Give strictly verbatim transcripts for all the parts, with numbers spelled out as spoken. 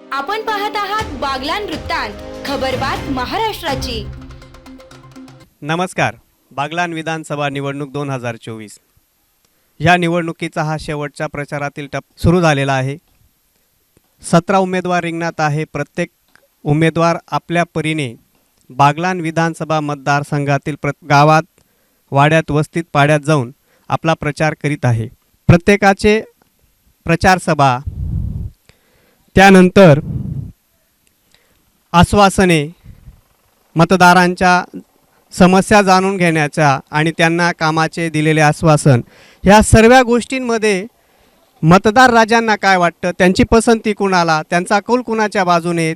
आपण पाहत आहात बागलान वृत्तांत, खबरबात महाराष्ट्राची। नमस्कार। बागलान विधानसभा निवडणूक दोन हजार चोवीस या निवडणुकीचा हा शेवटच्या प्रचारातील टप्पा सुरू झालेला आहे। सतरा उमेदवार रिंगणात आहे। प्रत्येक उमेदवार आपल्या परीने बागलान विधानसभा मतदारसंघातील प्र गावात वाड्यात वस्तीत पाड्यात जाऊन आपला प्रचार करीत आहे। प्रत्येकाचे प्रचार सभा, त्यानंतर आश्वासने, मतदारांच्या समस्या जाणून घेण्याचा आणि त्यांना कामाचे दिलेले आश्वासन, ह्या सर्व गोष्टींमध्ये मतदार राजांना काय वाटतं, त्यांची पसंती कुणाला, त्यांचा कौल कुणाच्या बाजूने,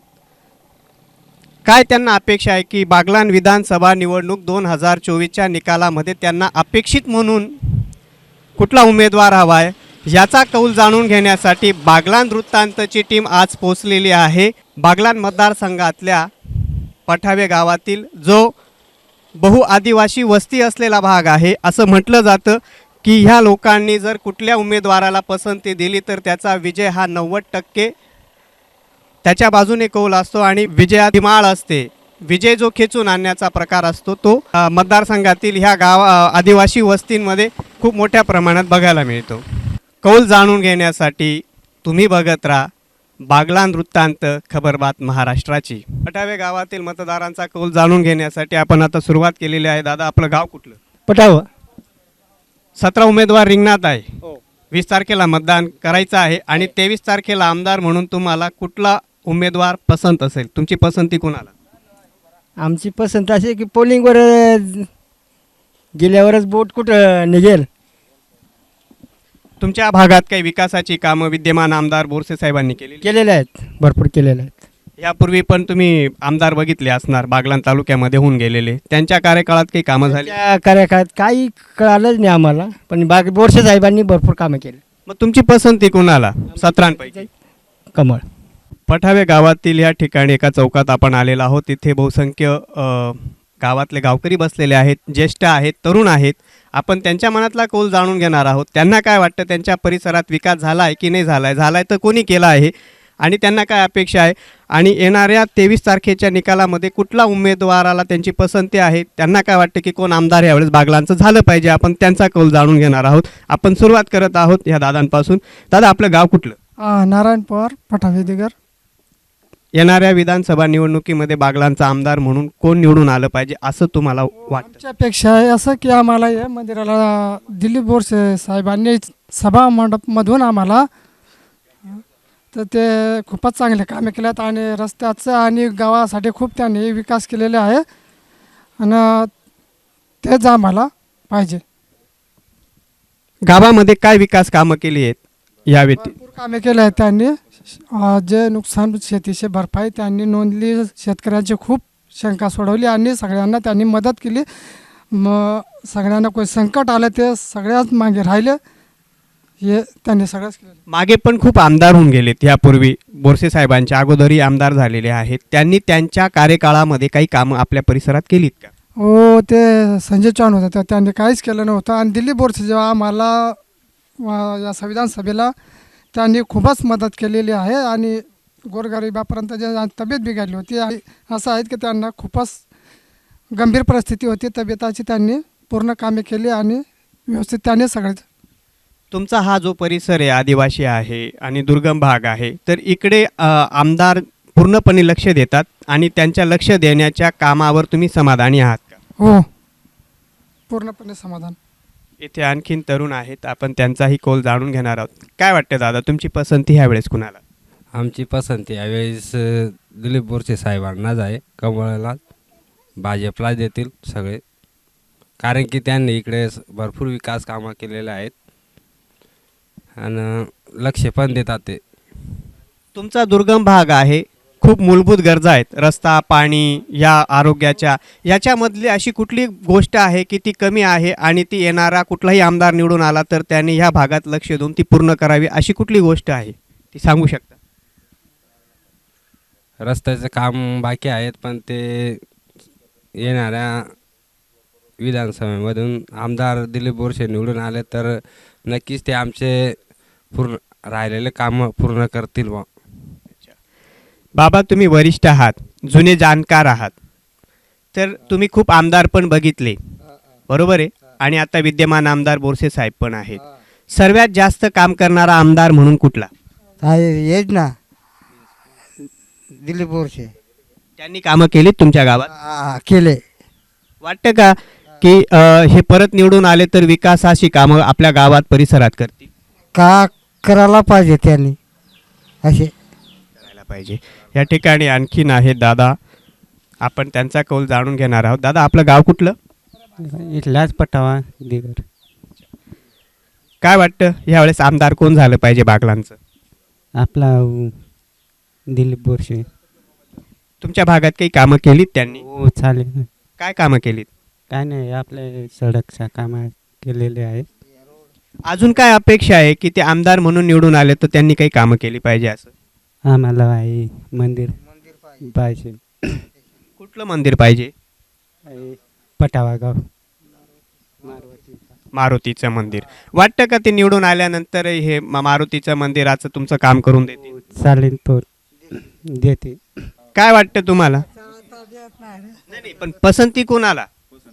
काय त्यांना अपेक्षा आहे की बागलान विधानसभा निवडणूक दोन हजार चोवीसच्या निकालामध्ये त्यांना अपेक्षित म्हणून कुठला उमेदवार हवा आहे, याचा कौल जाणून घेण्यासाठी बागलान वृत्तांतची टीम आज पोहोचलेली आहे। बागलान मतदारसंघातल्या पठावे गावातील जो बहु आदिवासी वस्ती असलेला भाग आहे, असं म्हटलं जातं की ह्या लोकांनी जर कुठल्या उमेदवाराला पसंती दिली तर त्याचा विजय हा नव्वद टक्के त्याच्या बाजूने कौल असतो आणि विजयाची माळ असते। विजय जो खेचून आणण्याचा प्रकार असतो तो मतदारसंघातील ह्या गाव आदिवासी वस्तींमध्ये खूप मोठ्या प्रमाणात बघायला मिळतो। कौल जाणून घेण्यासाठी तुम्ही बघत राहा बागलान वृत्तांत, खबरबात महाराष्ट्राची। पठावे गावातील मतदारांचा कौल जाणून घेण्यासाठी आपण आता सुरुवात केलेली आहे। दादा, आपलं गाव कुठलं? पठाव। सतरा उमेदवार रिंगणात आहे। वीस तारखेला मतदान करायचं आहे आणि तेवीस तारखेला आमदार म्हणून तुम्हाला कुठला उमेदवार पसंत असेल? तुमची पसंती कोणाला? आमची पसंत अशी की पोलिंगवर गेल्यावरच बोट कुठं निघेल। तुमच्या भागात काही विकासाची कामं विद्यमान आमदार बोरसे साहेबांनी केली केलेले आहेत, भरपूर केलेले आहेत। यापूर्वी पण तुम्ही आमदार बघितले असणार, बागलान तालुक्यामध्ये होऊन गेलेले। त्यांच्या कार्यकाळात काही कामं झाली? त्या कार्यकाळात काही कळालंच नाही आम्हाला, पण बाग बोरसे साहेबांनी भरपूर कामं केली। मग तुमची पसंती कोणाला सतरांपैकी? कमळ। पठावे गावातील या ठिकाणी एका चौकात आपण आलेलो आहोत। तिथे बहुसंख्य गावातले गावकरी बसलेले आहेत, ज्येष्ठ आहेत, तरुण आहेत। आपण त्यांच्या मनातला कौल जाणून घेणार आहोत। त्यांना काय वाटतं, त्यांच्या परिसरात विकास झाला आहे की नाही झाला आहे, झाला आहे तर कोणी केला आहे आणि त्यांना काय अपेक्षा आहे आणि येणाऱ्या तेवीस तारखेच्या निकालामध्ये कुठला उमेदवाराला त्यांची पसंती आहे, त्यांना काय वाटतं की कोण आमदार यावेळेस बागलांचं झालं पाहिजे, आपण त्यांचा कौल जाणून घेणार आहोत। आपण सुरुवात करत आहोत ह्या दादांपासून। दादा, आपलं गाव कुठलं? नारायण पवार, पठावे दिगर। येणाऱ्या विधानसभा निवडणुकीमध्ये बागलांचा आमदार म्हणून कोण निवडून आलं पाहिजे असं तुम्हाला वाटतं? आमच्यापेक्षा आहे असं की आम्हाला या मंदिराला दिलीप बोरसे साहेबांनी सभा मंडपमधून आम्हाला तर ते खूपच चांगले कामे केलेत आणि रस्त्याचं आणि गावासाठी खूप त्यांनी विकास केलेले आहे आणि तेच आम्हाला पाहिजे। गावामध्ये काय विकास कामं केली आहेत या व्यतिरिक्त? भरपूर कामे केले आहेत त्यांनी। जे नुकसान शेतीचे भरपाई त्यांनी नोंदली, शेतकऱ्यांची खूप शंका सोडवली आणि सगळ्यांना त्यांनी मदत केली। मग सगळ्यांना कोणी संकट आलं ते सगळ्यात मागे राहिले, हे त्यांनी सगळंच केलं। मागे पण खूप आमदार होऊन गेलेत, यापूर्वी बोरसे साहेबांच्या अगोदरही आमदार झालेले आहेत। त्यांनी त्यांच्या कार्यकाळामध्ये काही कामं आपल्या परिसरात केलीत का? हो, ते संजय चव्हाण होते तर त्यांनी काहीच केलं नव्हतं आणि दिलीप बोरसे जेव्हा आम्हाला या संविधान सभेला त्यांनी खूपच मदत केलेली आहे आणि गोरगरिबापर्यंत जे तब्येत बिघडली होती असं आहे की त्यांना खूपच गंभीर परिस्थिती होती तब्येताची, त्यांनी पूर्ण कामे केली आणि व्यवस्थित त्यांनी सगळे। तुमचा हा जो परिसर आहे आदिवासी आहे आणि दुर्गम भाग आहे, तर इकडे आमदार पूर्णपणे लक्ष देतात आणि त्यांच्या लक्ष देण्याच्या कामावर तुम्ही समाधानी आहात का? हो, पूर्णपणे समाधान। इथे आणखीन तरुण आहेत, आपण त्यांचाही कौल जाणून घेणार आहोत। काय वाटतं दादा, तुमची पसंती ह्यावेळेस कुणाला? आमची पसंती यावेळेस दिलीप बोरसे साहेबांनाच आहे। कमळाला, भाजपला देतील सगळे, कारण की त्यांनी इकडे भरपूर विकास कामं केलेले आहेत आणि लक्ष पण देतात ते। तुमचा दुर्गम भाग आहे, खूप मूलभूत गरजा आहेत, रस्ता, पाणी, या आरोग्याच्या, याच्यामधली अशी कुठली गोष्ट आहे की ती कमी आहे आणि ती येणारा कुठलाही आमदार निवडून आला तर त्यांनी ह्या भागात लक्ष देऊन ती पूर्ण करावी, अशी कुठली गोष्ट आहे ती सांगू शकता? रस्त्याचं काम बाकी आहेत, पण ते येणाऱ्या विधानसभेमधून आमदार दिलीप बोरसे निवडून आले तर नक्कीच ते आमचे पूर्ण राहिलेले काम पूर्ण करतील बा। बाबा तुम्ही वरिष्ठ आहात, जुने जाणकार आहात, तर तुम्ही खूप आमदार पण बघितले, बरोबर आहे, आणि आता विद्यमान आमदार बोरसे साहेब पण आहेत. सर्वात जास्त काम करणारा आमदार म्हणून कुठला? हेच ना दिलीप बोरसे त्यांनी कामं केलीत तुमच्या गावात? हा, केले. वाटतं का की अ, हे परत निवडून आले तर विकासाची कामं आपल्या गावात परिसरात करतील? का करायला पाहिजे त्यांनी असे. करायला पाहिजे. या ठिकाणी आणखीन आहेत दादा, आपण त्यांचा कौल जाणून घेणार आहोत. दादा आपलं गाव कुठलं? इथलाच पटावा दिगर. काय वाटतं यावेळेस आमदार कोण झालं पाहिजे बागलांचं? आपला अ, दिलीप बोरसे. तुमच्या भागात काही कामं केलीत त्यांनी? हो चालेल. काय कामं केलीत? काय नाही आपले सडकच्या कामं केलेले आहे. अजून काय अपेक्षा आहे की ते आमदार म्हणून निवडून आले तर त्यांनी काही कामं केली पाहिजे असं? आम्हाला आहे मंदिर पाहिजे. कुठलं मंदिर पाहिजे? आहे पटावा गाव मारुतीचं मंदिर. वाटतं का ते निवडून आल्यानंतर हे मा- मारुतीचं मंदिराचं तुमचं काम करून देतील? चालेल तो देते. काय वाटतं तुम्हाला? नाही नाही, पण पसंती कोणाला?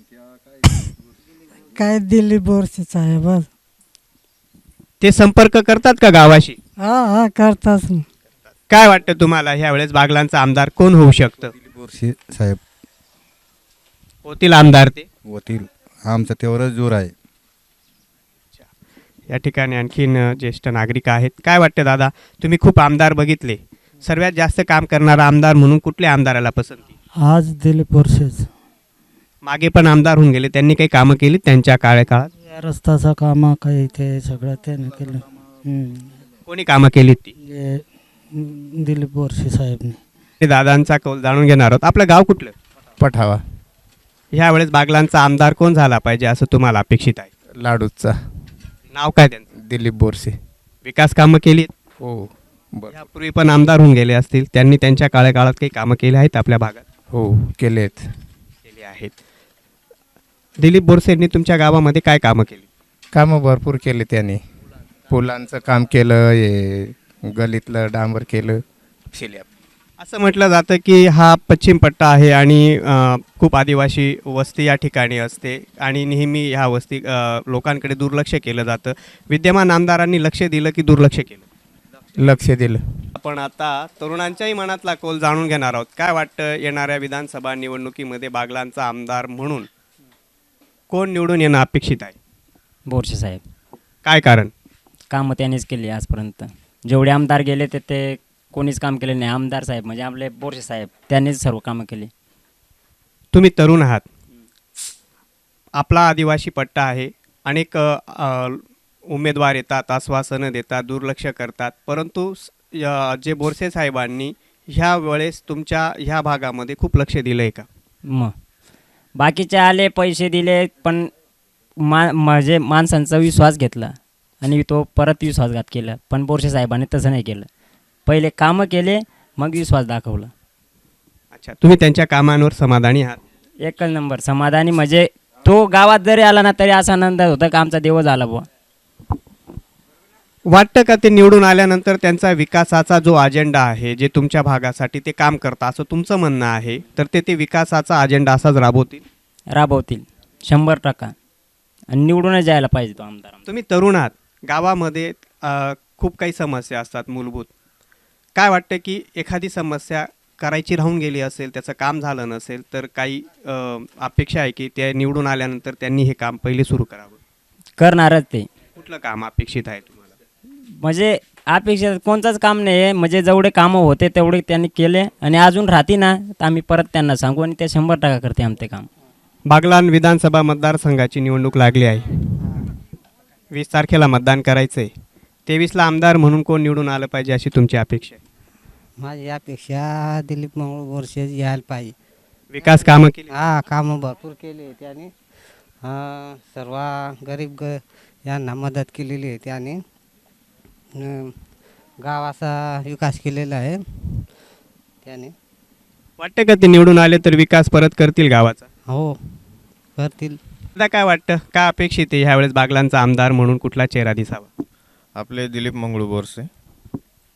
काय दिलीप बोरसे साहेब. ते संपर्क करतात का गावाशी? हा हा करताच ना. काय वाटतं तुम्हाला ह्या वेळेस बागलांचा आमदार कोण होऊ शकतं? बोरसे साहेब होतील आमदार ते? होतील. आमचा तेवढंच जोर आहे. या ठिकाणी आणखीन अ, ज्येष्ठ नागरिक आहेत. काय वाटतं दादा, तुम्ही खूप आमदार बघितले, सर्वात जास्त काम करणारा आमदार म्हणून कुठल्या आमदाराला पसंती? आज दिलीप बोरसेच. मागे पण आमदार होऊन गेले, त्यांनी काही कामं केली त्यांच्या काळाकाळात? या रस्त्याचं काम काही ते सगळं त्याने केलं. हम्म. कोणी कामं केली ती? हे, हम्म, दिलीप बोरसे साहेबने. ते दादांचा कौल जाणून घेणार आहोत. आपलं गाव कुठलं? पठावा. ह्या वेळेस बागलांचा आमदार कोण झाला पाहिजे असं तुम्हाला अपेक्षित आहे? लाडूचा नाव काय त्यांचं? दिलीप बोरसे. विकास कामं केली? हो बर. यापूर्वी पण आमदार होऊन गेले असतील, त्यांनी त्यांच्या काळाकाळात काही कामं केली आहेत आपल्या भागात? हो केलेत. केली आहेत. दिलीप बोरसेंनी तुमच्या गावामध्ये काय कामं केली? कामं भरपूर केले त्याने. पुलांचं काम केलं, हे गलीतलं डांबर केलं, शिल्याप. असं म्हटलं जातं की हा पश्चिम पट्टा आहे आणि अ, खूप आदिवासी वस्ती या ठिकाणी असते आणि नेहमी ह्या वस्ती अ, लोकांकडे दुर्लक्ष केलं जातं. विद्यमान आमदारांनी लक्ष दिलं की दुर्लक्ष केलं? लक्ष दिलं. आपण आता तरुणांच्याही मनातला कौल जाणून घेणार आहोत. काय वाटतं येणाऱ्या विधानसभा निवडणुकीमध्ये बागलांचा आमदार म्हणून कोण निवडून येणं अपेक्षित आहे? बोरसे साहेब. काय कारण? कामं त्यांनीच केली आजपर्यंत. जेवढे आमदार गेले ते ते कोणीच काम केले नाही. आमदार साहेब म्हणजे आपले बोरसे साहेब, त्यांनीच सर्व कामं केली. तुम्ही तरुण आहात, आपला आदिवासी पट्टा आहे, अनेक अ, अ, उमेदवार येतात, आश्वासनं देतात, दुर्लक्ष करतात, परंतु स- य- जे बोरसे साहेबांनी ह्या वेळेस तुमच्या ह्या भागामध्ये खूप लक्ष दिलं आहे का? मग बाकीचे आले, पैसे दिले, पण मा म्हणजे माणसांचा विश्वास घेतला आणि तो परत विश्वासघात केला. पण बोरसे साहेबांनी तसं नाही केलं. पहिले कामं केले, मग विश्वास दाखवला. अच्छा, तुम्ही त्यांच्या कामांवर समाधानी आहात? एकच नंबर समाधानी. म्हणजे तो गावात जरी आला ना तरी असा आनंद होता का आमचा देव झाला बुवा. वाटतं का ते निवडून आल्यानंतर त्यांचा विकासाचा जो अजेंडा आहे, जे तुमच्या भागासाठी ते काम करतात असं तुमचं म्हणणं आहे, तर ते ते विकासाचा अजेंडा असाच राबवतील? राबवतील शंभर टक्का. आणि निवडूनच जायला पाहिजे तो आमदार. तुम्ही तरुण आहात, गावामध्ये अ, खूप काही समस्या असतात मूलभूत. काय वाटतं की एखादी समस्या करायची राहून गेली असेल, त्याचं काम झालं नसेल, तर काही अ, अपेक्षा आहे की ते निवडून आल्यानंतर त्यांनी हे काम पहिले सुरू करावं? करणारच ते. कुठलं काम अपेक्षित आहे तुम्हाला? म्हणजे अपेक्षा कोणतंच काम नाही आहे. म्हणजे जेवढे कामं होते तेवढे त्यांनी केले आणि अजून राहते ना तर आम्ही परत त्यांना सांगू आणि ते शंभर टक्का करते आमचे काम. बागलाण विधानसभा मतदारसंघाची निवडणूक लागली आहे. वीस तारखेला मतदान करायचं आहे. तेवीसला आमदार म्हणून कोण निवडून आलं पाहिजे अशी तुमची अपेक्षा आहे? माझी अपेक्षा दिलीप मंगळ बोरसे यायला पाहिजे. विकास कामं केली? हा कामं भरपूर केले त्याने. हा, सर्व गरीब ग यांना मदत केलेली आहे त्याने. अं, गावाचा विकास केलेला आहे त्याने. वाटतं का ते निवडून आले तर विकास परत करतील गावाचा? हो करतील. आता काय वाटतं, काय अपेक्षित आहे ह्यावेळेस बागलांचा आमदार म्हणून कुठला चेहरा दिसावा? आपले दिलीप मंगळू बोरसे.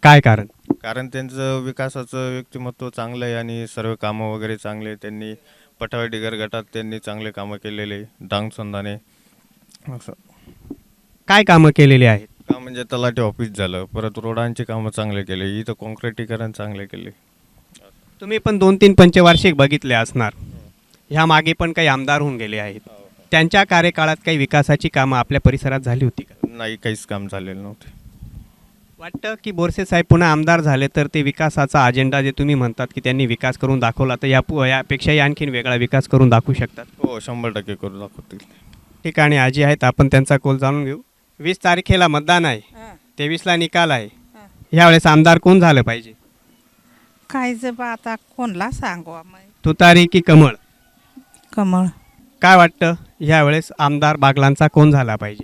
काय कारण? कारण त्यांचं विकासाचं व्यक्तिमत्व चांगलं आहे आणि सर्व कामं वगैरे चांगले आहे. त्यांनी पठावे डिगर गटात त्यांनी चांगले कामं केलेले, डांग संधाने असं काय कामं केलेली आहेत? का म्हणजे तलाठी ऑफिस झालं, परत रोडांची कामं चांगले केले, इथं कॉन्क्रिटीकरण चांगले केले. तुम्ही पण दोन तीन पंचवार्षिक बघितले असणार. ह्या मागे पण काही आमदार होऊन गेले आहेत. त्यांच्या कार्यकाळात काही विकासाची कामं आपल्या परिसरात झाली होती का? नाही, काहीच काम झालेलं नव्हते. वाटतं की बोरसे साहेब पुन्हा आमदार झाले तर ते विकासाचा अजेंडा जे तुम्ही म्हणतात की त्यांनी विकास करून दाखवला, तर या यापेक्षाही आणखीन वेगळा विकास करून दाखवू शकतात? हो, शंभर टक्के करू दाखवतील. ठिकाणी आजी आहेत, आपण त्यांचा कौल जाणून घेऊ. वीस तारखेला मतदान आहे, तेवीसला निकाल आहे. यावेळेस आमदार कोण झालं पाहिजे? काय जब आता कोणला सांगू आम्ही? तुतारी की कमळ? कमळ. काय वाटतं यावेळेस आमदार बागलांचा कोण झाला पाहिजे?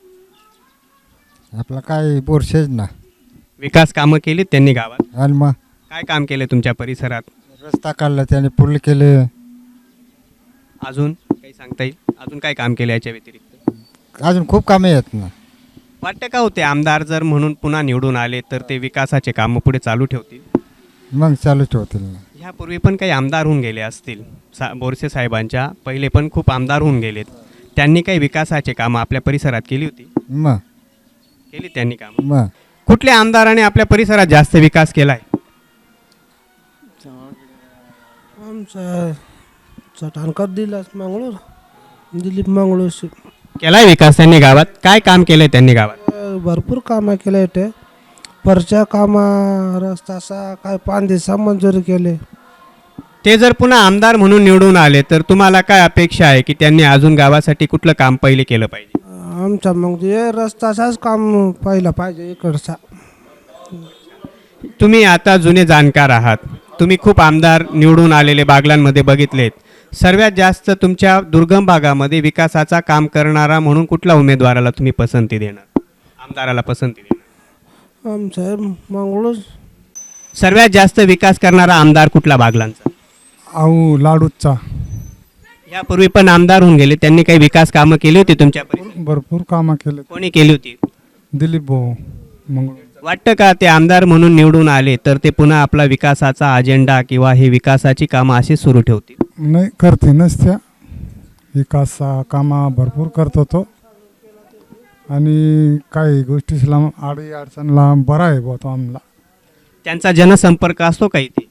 आपला काय बोरसेच ना. विकास कामं केलीत त्यांनी गावात? आणि मग काय काम केले तुमच्या परिसरात? रस्ता काढला त्याने, पूल केले. अजून काही सांगता येईल? अजून काय काम केले याच्या व्यतिरिक्त? अजून खूप कामे आहेत ना. वाटतं का होते आमदार जर म्हणून पुन्हा निवडून आले तर ते विकासाचे कामं पुढे चालू ठेवतील? मग चालू ठेवतील ना. ह्यापूर्वी पण काही आमदार होऊन गेले असतील. सा बोरसे साहेबांच्या पहिले पण खूप आमदार होऊन गेलेत. त्यांनी काही विकासाचे कामं आपल्या परिसरात केली होती? मग केली त्यांनी कामं. मग कुठल्या आमदाराने आपल्या परिसरात जास्त विकास केलाय? आमचा चटाणकर दिलास मंगळूर, दिलीप मंगळूर. केलाय विकास त्यांनी गावात? काय काम केलंय त्यांनी गावात? भरपूर कामं केले ते. परच्या कामा, रस्ताचा काय पाच दिवसा मंजुरी केले. ते जर पुन्हा आमदार म्हणून निवडून आले तर तुम्हाला काय अपेक्षा आहे की त्यांनी अजून गावासाठी कुठलं काम पहिले केलं पाहिजे? आमचा मग हे रस्ताचाच काम पहिला पाहिजे इकडचा. तुम्ही आता जुने जाणकार आहात, तुम्ही खूप आमदार निवडून आलेले बागलांमध्ये बघितलेत. सर्वात जास्त तुमच्या दुर्गम भागामध्ये विकासाचा काम करणारा म्हणून कुठल्या उमेदवाराला तुम्ही पसंती देणार, आमदाराला पसंती देणार? आमचा मंगळूर. सर्वात जास्त विकास करणारा आमदार कुठला बागलांचा? अहो लाडूचा. यापूर्वी पण आमदार होऊन गेले, त्यांनी काही विकास कामं केली होती तुमच्या परिसरात? भरपूर कामं केले. कोणी केली होती? दिलीप भाऊ मंगळूर. वाटतं का ते आमदार म्हणून निवडून आले तर ते पुन्हा आपला विकासाचा अजेंडा किंवा हे विकासाची कामं अशी सुरू ठेवतील? नाही, करते नसत्या. विकास कामा भरपूर करतो तो, आणि काही गोष्टीला आडी अडचणला बरा आहे बुवा तो आम्हाला. त्यांचा जनसंपर्क असतो काही ते?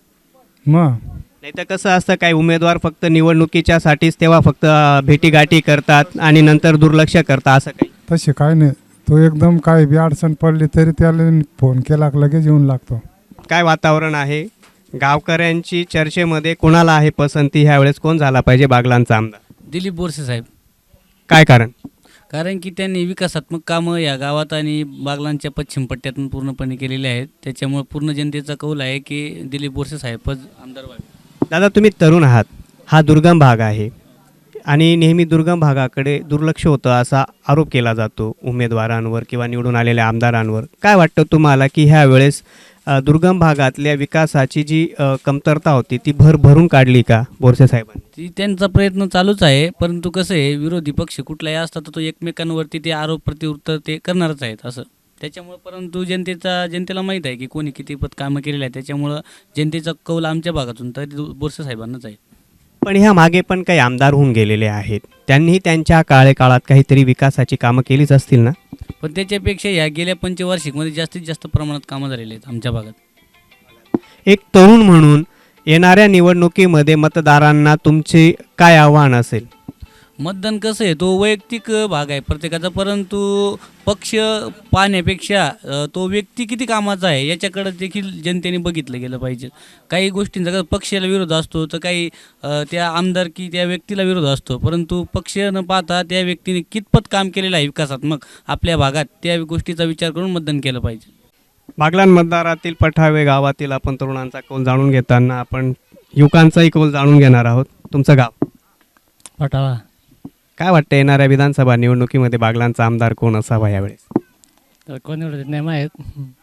मग नाही तर कसं असतं, काही उमेदवार फक्त निवडणुकीच्या साठीच तेव्हा फक्त भेटीगाठी करतात आणि नंतर दुर्लक्ष करतात, असं काही? तसे काय नाही, तो एकदम काय बी अडचण पडली तरी त्याला फोन केला की लगेच येऊन लागतो. काय वातावरण आहे गावकऱ्यांची चर्चेमध्ये? कोणाला आहे पसंती ह्यावेळेस? कोण झाला पाहिजे बागलांचा आमदार? दिलीप बोरसे साहेब. काय कारण? कारण की त्यांनी विकासात्मक कामं या गावात आणि बागलांच्या पश्चिम पट्ट्यातून पूर्णपणे केलेले आहेत. त्याच्यामुळे पूर्ण जनतेचा कौल आहे की दिलीप बोरसे साहेबच आमदार व्हावे. दादा, तुम्ही तरुण आहात, हा दुर्गम भाग आहे आणि नेहमी दुर्गम भागाकडे दुर्लक्ष होतं असा आरोप केला जातो उमेदवारांवर किंवा निवडून आलेल्या आमदारांवर. काय वाटतं तुम्हाला की ह्या वेळेस अ, दुर्गम भागातल्या विकासाची जी अ, कमतरता होती ती भर भरून काढली का बोरसे साहेबांनी? ती त्यांचा प्रयत्न चालूच आहे, परंतु कसं आहे, विरोधी पक्ष कुठलाही असतात तर तो एकमेकांवरती ते आरोप प्रत्युत्तर ते करणारच आहेत असं. त्याच्यामुळं परंतु जनतेचा जनतेला माहीत आहे की कोणी कितीपत कामं केलेलं आहे. त्याच्यामुळं जनतेचा कौल आमच्या भागातून तर बोरसे साहेबांनाच आहे. पण ह्या मागे पण काही आमदार होऊन गेलेले आहेत, त्यांनी त्यांच्या काळेकाळात काहीतरी विकासाची कामं केलीच असतील ना? पण त्याच्यापेक्षा या गेल्या पंचवार्षिकमध्ये जास्तीत जास्त प्रमाणात कामं झालेली आहेत आमच्या भागात. एक तरुण म्हणून येणाऱ्या निवडणुकीमध्ये मतदारांना तुमचे काय आव्हान असेल? मतदान कसं आहे, तो वैयक्तिक भाग आहे प्रत्येकाचा, परंतु पक्ष पाहण्यापेक्षा अ, तो व्यक्ती किती कामाचा आहे याच्याकडे देखील जनतेने बघितलं गेलं पाहिजे. काही गोष्टींचा कसं पक्षाला विरोध असतो तर काही अ, त्या आमदार की त्या व्यक्तीला विरोध असतो, परंतु पक्ष न पाहता त्या व्यक्तीने कितपत काम केलेलं आहे विकासात्मक आपल्या भागात त्या गोष्टीचा विचार करून मतदान केलं पाहिजे. बागलाण मतदारातील पठावे गावातील आपण तरुणांचा कौल जाणून घेताना आपण युवकांचाही कौल जाणून घेणार आहोत. तुमचं गाव? पटावा. काय वाटतं येणाऱ्या विधानसभा निवडणुकीमध्ये बागलांचा आमदार कोण असावा यावेळेस? तर कोण एवढे नाही माहीत,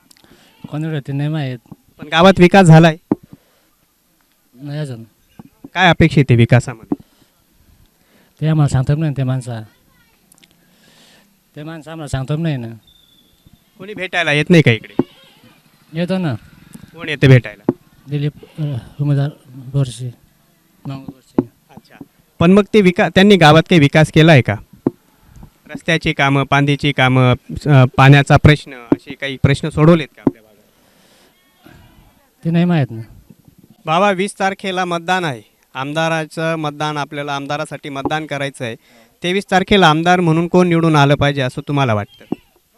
कोण एवढे नाही माहीत. पण गावात विकास झालाय नाही अजून. काय अपेक्षित आहे विकासामध्ये? ते आम्हाला सांगतो नाही, ते माणसा ते माणसं आम्हाला सांगतो नाही ना. कोणी भेटायला येत नाही का इकडे? येतो ना. कोण येते भेटायला? दिलीप उमेदवार बोरसे. बोरसे. अच्छा. पण मग ते विकास त्यांनी गावात काही विकास केला आहे का? रस्त्याची कामं, पांदीची कामं, अ, पाण्याचा प्रश्न, असे काही प्रश्न सोडवलेत का आपल्या भागात? ते नाही माहीत ना. बाबा, वीस तारखेला मतदान आहे. आमदाराचं मतदान, आपल्याला आमदारासाठी मतदान करायचं आहे. तेवीस तारखेला आमदार म्हणून कोण निवडून आलं पाहिजे असं तुम्हाला वाटतं?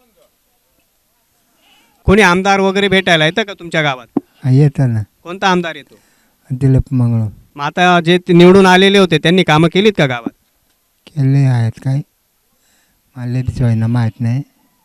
कोणी आमदार वगैरे भेटायला येतं का तुमच्या गावात? येतं ना. कोणता आमदार येतो? दिलीप मंगळ. मग आता जे ते निवडून आलेले होते त्यांनी कामं केलीत का गावात? केले आहेत काय मला बी होईना माहीत नाही.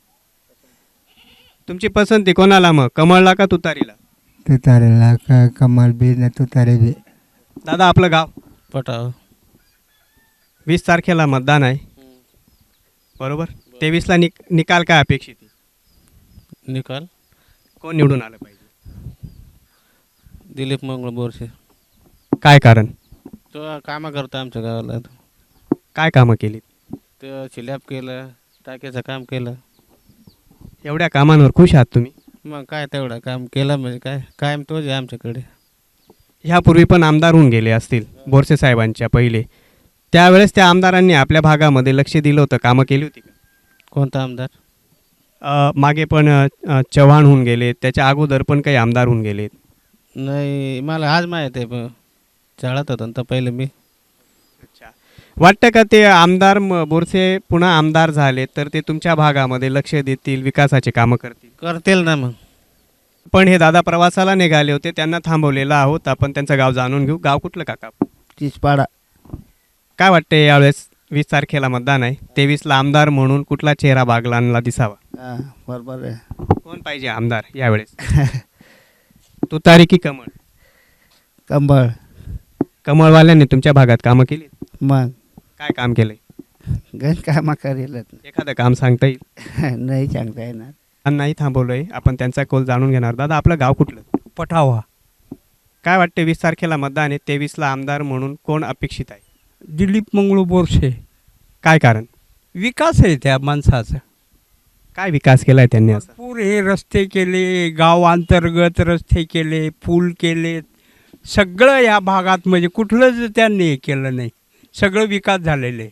तुमची पसंती कोणाला मग, कमळला का तुतारीला? तुतारेला का कमल बी ना तुतारे बी. दादा, आपलं गाव? पटाव. वीस तारखेला मतदान आहे बरोबर. तेवीसला निक निकाल काय अपेक्षित आहे? निकाल कोण निवडून आलं पाहिजे? दिलीप मंगळ बोरसे. काय कारण? तो कामं करतो आमच्या गावाला. काय कामं केलीत? ते स्लॅब केलं, टाक्याचं काम केलं. एवढ्या कामांवर खुश आहात तुम्ही? मग काय तेवढं काम केलं म्हणजे काय, कायम तोच आहे आमच्याकडे. ह्यापूर्वी पण आमदार होऊन गेले असतील बोरसे साहेबांच्या पहिले. त्यावेळेस त्या आमदारांनी आपल्या भागामध्ये लक्ष दिलं होतं, कामं केली होती का? कोणता आमदार? अ, मागे पण अ, चव्हाण होऊन गेले, त्याच्या अगोदर पण काही आमदार होऊन गेले. नाही, मला आज माहीत आहे. पण चाळत होतं तर पहिले मी. अच्छा. वाटतं का ते आमदार म- बोरसे पुन्हा आमदार झाले तर ते तुमच्या भागामध्ये लक्ष देतील, विकासाचे कामं करतील? करतील ना मग. पण हे दादा प्रवासाला निघाले होते, त्यांना थांबवलेलं आहोत आपण. त्यांचं गाव जाणून घेऊ. गाव कुठलं काका? चिचपाडा. काय वाटते यावेळेस वीस तारखेला मतदान आहे, तेवीसला आमदार म्हणून कुठला चेहरा बागलांना दिसावा? हां बरोबर आहे. कोण पाहिजे आमदार यावेळेस? तुतारी की कमळ? कंबळ. कमळवाल्यांनी तुमच्या भागात कामं केली? मग काय काम केलंय? गण कामं करेल. एखादं काम सांगता येईल? नाही सांगता येणार. नाही थांबवलंय आपण, त्यांचा कौल जाणून घेणार. दादा, आपलं गाव कुठलं? पठावा. काय वाटते वीस तारखेला मतदान आहे, तेवीसला आमदार म्हणून कोण अपेक्षित आहे? दिलीप मंगळू बोरसे. काय कारण? विकास आहे त्या माणसाचा. काय विकास केलाय त्यांनी असं? भरपूर हे रस्ते केले, गाव अंतर्गत रस्ते केले, पूल केले, सगळं या भागात म्हणजे कुठलंच त्यांनी हे केलं नाही. सगळं विकास झालेले.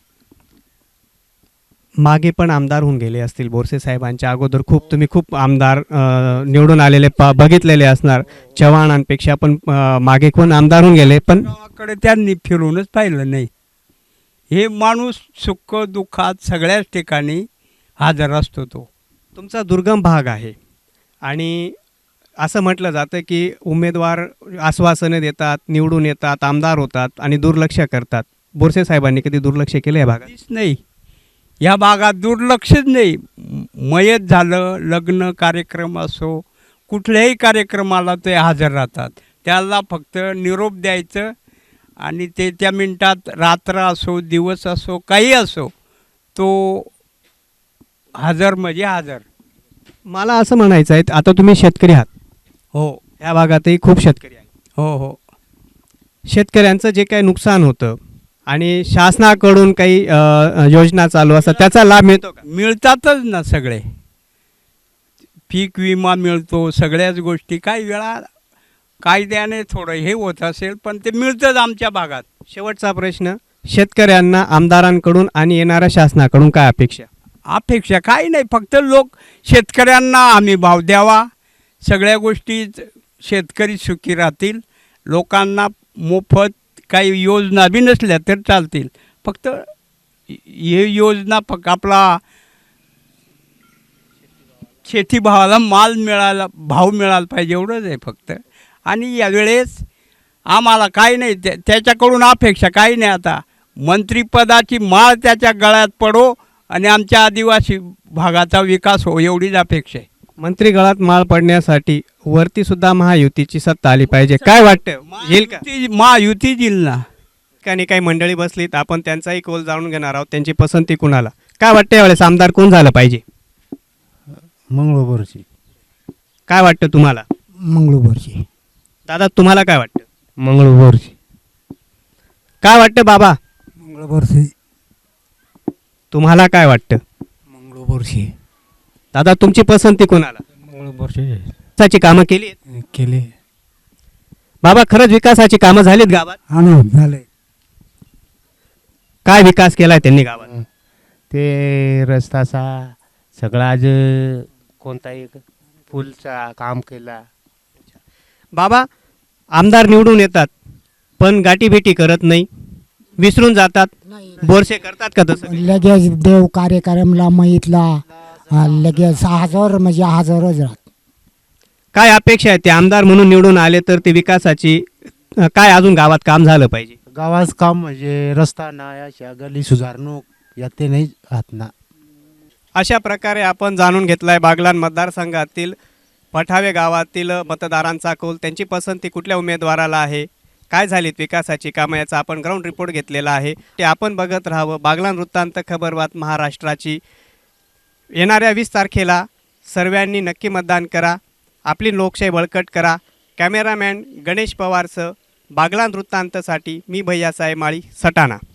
मागे पण आमदार होऊन गेले असतील बोरसे साहेबांच्या अगोदर. खूप तुम्ही खूप आमदार अ, निवडून आलेले पा बघितलेले असणार. चव्हाणांपेक्षा पण अ, मागे कोण आमदार होऊन गेले पण गावाकडे त्यांनी फिरूनच पाहिलं नाही. हे माणूस सुख दुःखात सगळ्याच ठिकाणी हजर असतो तो. तुमचा दुर्गम भाग आहे आणि असं म्हटलं जातं की उमेदवार आश्वासनं देतात, निवडून येतात, आमदार होतात आणि दुर्लक्ष करतात. बोरसे साहेबांनी कधी दुर्लक्ष केलं या भागात? काहीच नाही. या भागात दुर्लक्षच नाही. मयत झालं, लग्न कार्यक्रम असो, कुठल्याही कार्यक्रमाला ते हजर राहतात. त्याला फक्त निरोप द्यायचं आणि ते त्या मिनिटात, रात्र असो दिवस असो काही असो, तो हजर म्हणजे हजर. मला असं म्हणायचं आहे, आता तुम्ही शेतकरी आहात. हो. या भागातही खूप शेतकरी आहेत. हो हो. शेतकऱ्यांचं जे काही नुकसान होतं आणि शासनाकडून काही अ, अ, योजना चालू असतात, त्याचा लाभ मिळतो का? मिळतातच ना सगळे. पीक विमा मिळतो, सगळ्याच गोष्टी. काही वेळा कायद्याने थोडं हे होत असेल पण ते मिळतंच आमच्या भागात. शेवटचा प्रश्न, शेतकऱ्यांना आमदारांकडून आणि येणाऱ्या शासनाकडून काय अपेक्षा? अपेक्षा काही नाही, फक्त लोक शेतकऱ्यांना आम्ही भाव द्यावा, सगळ्या गोष्टी शेतकरी सुखी राहतील, लोकांना मोफत काही योजना बी नसल्या तर चालतील. फक्त हे योजना फक्त आपला शेतीभावाला माल मिळाला, भाव मिळाला पाहिजे एवढंच आहे फक्त. आणि यावेळेस आम्हाला काही नाही, त्या त्याच्याकडून अपेक्षा काही नाही. आता मंत्रिपदाची माळ त्याच्या गळ्यात पडो आणि आमच्या आदिवासी भागाचा विकास हो, एवढीच अपेक्षा आहे. मंत्री गळात माळ पडण्यासाठी वरती सुद्धा महायुतीची सत्ता आली पाहिजे. काय वाटतं, येईल का? महायुती महायुती येईल ना. ठिकाणी काही मंडळी बसलीत, आपण त्यांचाही कौल जाणून घेणार आहोत. त्यांची पसंती कुणाला? काय वाटतं यावेळेस आमदार कोण झालं पाहिजे? मंगळू बोरसे. काय वाटतं तुम्हाला? मंगळू बोरसे. दादा, तुम्हाला काय वाटतं? मंगळू बोरसे. काय वाटतं बाबा? मंगळू बोरसे. तुम्हाला काय वाटतं? मंगळू बोरसे. दादा, तुमची पसंती कोणाला? मंगळू बोरसे. विकासाची कामं केली आहेत? केले बाबा खरंच विकासाची कामं झालीत गावात? हा ना झाले. काय विकास केलाय त्यांनी गावात? ते रस्ताचा सगळा आज कोणता एक फुलचा काम केला. बाबा आमदार निवडून येतात पण गाठीभेटी करत नाही, विसरून जातात, बोरसे करतात का तसं? लगेच देव कार्यक्रमला माहितला लगेच हजार म्हणजे हजारच राहत. काय अपेक्षा आहे ते आमदार म्हणून निवडून आले तर ते विकासाची अ, काय अजून गावात काम झालं पाहिजे? गावात काम म्हणजे रस्ता नाही, अशा गली सुधारणूक यात नाही राहत ना. अशा प्रकारे आपण जाणून घेतलाय बागलाण मतदारसंघातील पठावे गावातील मतदारांचा कौल, त्यांची पसंती कुठल्या उमेदवाराला आहे, काय झालीत विकासाची कामं याचा आपण ग्राउंड रिपोर्ट घेतलेला आहे. ते आपण बघत राहावं बागलाण वृत्तांत खबरबात महाराष्ट्राची. येणाऱ्या वीस तारखेला सर्वांनी नक्की मतदान करा, आपली लोकशाही बळकट करा. कॅमेरामॅन गणेश पवारसह बागलाण वृत्तांतसाठी मी भैयासाहेब माळी, सटाणा.